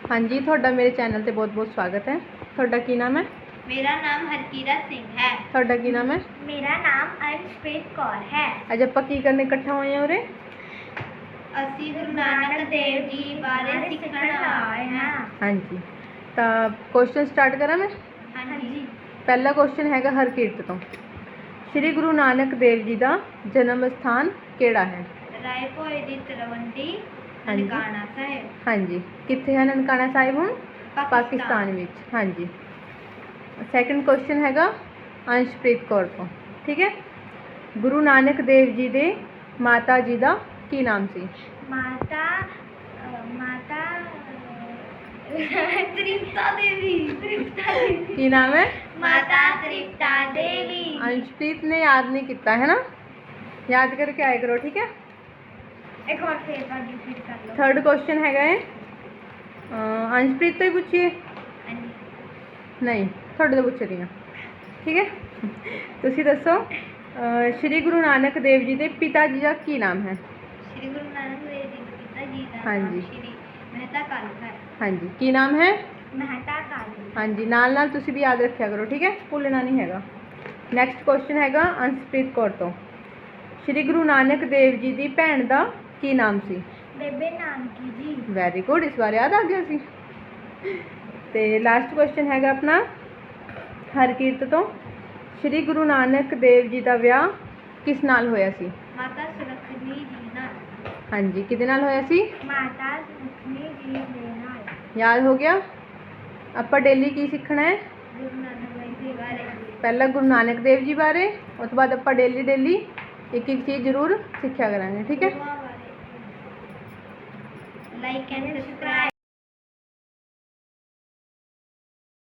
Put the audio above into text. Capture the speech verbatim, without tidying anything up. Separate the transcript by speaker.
Speaker 1: हाँ जी, ਤੁਹਾਡਾ ਮੇਰੇ ਚੈਨਲ ਤੇ ਬਹੁਤ-ਬਹੁਤ ਸਵਾਗਤ ਹੈ। ਤੁਹਾਡਾ ਕੀ ਨਾਮ ਹੈ?
Speaker 2: मेरा नाम हरकीरत सिंह है।
Speaker 1: ਤੁਹਾਡਾ ਕੀ ਨਾਮ ਹੈ?
Speaker 2: मेरा नाम अंशप्रीत कौर है।
Speaker 1: ਅੱਜ ਆਪਾਂ ਕੀ ਕਰਨ ਇਕੱਠਾ ਹੋਏ ਹਾਂ ਉਰੇ?
Speaker 2: ਅਸੀਂ ਗੁਰੂ ਨਾਨਕ ਦੇਵ ਜੀ ਬਾਰੇ ਸਿੱਖਣ ਆਏ ਹਾਂ।
Speaker 1: ਹਾਂਜੀ, ਤਾਂ ਕੁਐਸਚਨ ਸਟਾਰਟ ਕਰਾਂ ਮੈਂ?
Speaker 2: ਹਾਂਜੀ।
Speaker 1: ਪਹਿਲਾ ਕੁਐਸਚਨ ਹੈਗਾ ਹਰਕੀਰਤ ਤੋਂ। ਸ਼੍ਰੀ ਗੁਰੂ ਨਾਨਕ ਦੇਵ ਜੀ ਦਾ ਜਨਮ ਸਥਾਨ ਕਿਹੜਾ ਹੈ?
Speaker 2: ਰਾਏ ਭੋਏ ਦੀ ਤਲਵੰਡੀ
Speaker 1: ਹਾਂਜੀ।
Speaker 2: ਨਨਕਾਣਾ ਸਾਹਿਬ।
Speaker 1: ਹਾਂਜੀ, ਕਿੱਥੇ ਹੈ ਨਨਕਾਣਾ ਸਾਹਿਬ ਹੁਣ? ਪਾਕਿਸਤਾਨ ਵਿੱਚ। ਹਾਂਜੀ। ਸੈਕੰਡ ਕੁਐਸਚਨ ਹੈਗਾ ਅੰਸ਼ਪ੍ਰੀਤ ਕੌਰ ਤੋਂ। ਠੀਕ ਹੈ। ਗੁਰੂ ਨਾਨਕ ਦੇਵ ਜੀ ਦੇ ਮਾਤਾ ਜੀ ਦਾ ਕੀ ਨਾਮ ਸੀ?
Speaker 2: ਮਾਤਾ ਅ, ਮਾਤਾ ਅ, ਤ੍ਰਿਪਤਾ ਦੇਵੀ। ਤ੍ਰਿਪਤਾ ਦੇਵੀ।
Speaker 1: ਕੀ ਨਾਮ ਹੈ?
Speaker 2: ਮਾਤਾ ਤ੍ਰਿਪਤਾ ਦੇਵੀ।
Speaker 1: ਅੰਸ਼ਪ੍ਰੀਤ ਨੇ ਯਾਦ ਨਹੀਂ ਕੀਤਾ ਹੈ ਨਾ, ਯਾਦ ਕਰਕੇ ਆਇਆ ਕਰੋ। ਠੀਕ ਹੈ।
Speaker 2: ਇੱਕ ਵਾਰ ਫੇਰ ਬਾਕੀ ਰਿਪੀਟ ਕਰ ਲਓ।
Speaker 1: ਥਰਡ ਕੁਐਸਚਨ ਹੈਗਾ ਹੈ ਅੰਸ਼ਪ੍ਰੀਤ ਤੋਂ ਹੀ ਪੁੱਛੀਏ?
Speaker 2: ਹਾਂਜੀ।
Speaker 1: ਨਹੀਂ, ਤੁਹਾਡੇ ਤੋਂ ਪੁੱਛ ਰਹੀ ਹਾਂ। ਠੀਕ ਹੈ। ਤੁਸੀਂ ਦੱਸੋ ਸ਼੍ਰੀ ਗੁਰੂ ਨਾਨਕ ਦੇਵ ਜੀ ਦੇ ਪਿਤਾ ਜੀ ਦਾ ਕੀ ਨਾਮ ਹੈ?
Speaker 2: ਸ਼੍ਰੀ ਗੁਰੂ ਨਾਨਕ ਦੇਵ ਜੀ ਦੇ ਪਿਤਾ ਜੀ ਦਾ
Speaker 1: ਹਾਂਜੀ।
Speaker 2: ਨਾਮ ਸ਼੍ਰੀ ਮਹਿਤਾ ਕਾਲੂ ਹੈ।
Speaker 1: ਹਾਂਜੀ, ਕੀ ਨਾਮ ਹੈ?
Speaker 2: ਮਹਿਤਾ ਕਾਲੂ।
Speaker 1: ਹਾਂਜੀ, ਨਾਲ ਨਾਲ ਤੁਸੀਂ ਵੀ ਯਾਦ ਰੱਖਿਆ ਕਰੋ। ਠੀਕ ਹੈ, ਭੁੱਲਣਾ ਨਹੀਂ ਹੈਗਾ। ਨੈਕਸਟ ਕੁਐਸਚਨ ਹੈਗਾ ਅੰਸ਼ਪ੍ਰੀਤ ਕੌਰ ਤੋਂ। ਸ਼੍ਰੀ ਗੁਰੂ ਨਾਨਕ ਦੇਵ ਜੀ ਦੀ ਭੈਣ ਦਾ ਕੀ ਨਾਮ ਸੀ?
Speaker 2: ਬੇਬੇ ਨਾਨਕੀ ਜੀ।
Speaker 1: ਵੈਰੀ ਗੁੱਡ, ਇਸ ਵਾਰ ਯਾਦ ਆ ਗਿਆ ਸੀ। ਤੇ ਲਾਸਟ ਕੁਐਸਚਨ ਹੈਗਾ ਆਪਣਾ ਹਰਕੀਰਤ ਤੋਂ। ਸ਼੍ਰੀ ਗੁਰੂ ਨਾਨਕ ਦੇਵ ਜੀ ਦਾ ਵਿਆਹ ਕਿਸ ਨਾਲ ਹੋਇਆ ਸੀ?
Speaker 2: ਮਾਤਾ ਸੁਲੱਖਣੀ ਜੀ ਨਾਲ।
Speaker 1: ਹਾਂਜੀ, ਕਿਹਦੇ ਨਾਲ ਹੋਇਆ ਸੀ?
Speaker 2: ਮਾਤਾ ਸੁਲੱਖਣੀ ਜੀ ਦੇ ਨਾਲ।
Speaker 1: ਯਾਦ ਹੋ ਗਿਆ? ਆਪਾਂ ਡੇਲੀ ਕੀ ਸਿੱਖਣਾ ਹੈ?
Speaker 2: ਗੁਰੂ ਨਾਨਕ ਦੇਵ ਜੀ ਬਾਰੇ।
Speaker 1: ਪਹਿਲਾਂ ਗੁਰੂ ਨਾਨਕ ਦੇਵ ਜੀ ਬਾਰੇ, ਉਸ ਤੋਂ ਬਾਅਦ ਆਪਾਂ ਡੇਲੀ ਡੇਲੀ ਇੱਕ ਇੱਕ ਚੀਜ਼ ਜ਼ਰੂਰ ਸਿੱਖਿਆ ਕਰਾਂਗੇ। ਠੀਕ ਹੈ।
Speaker 2: Like and subscribe.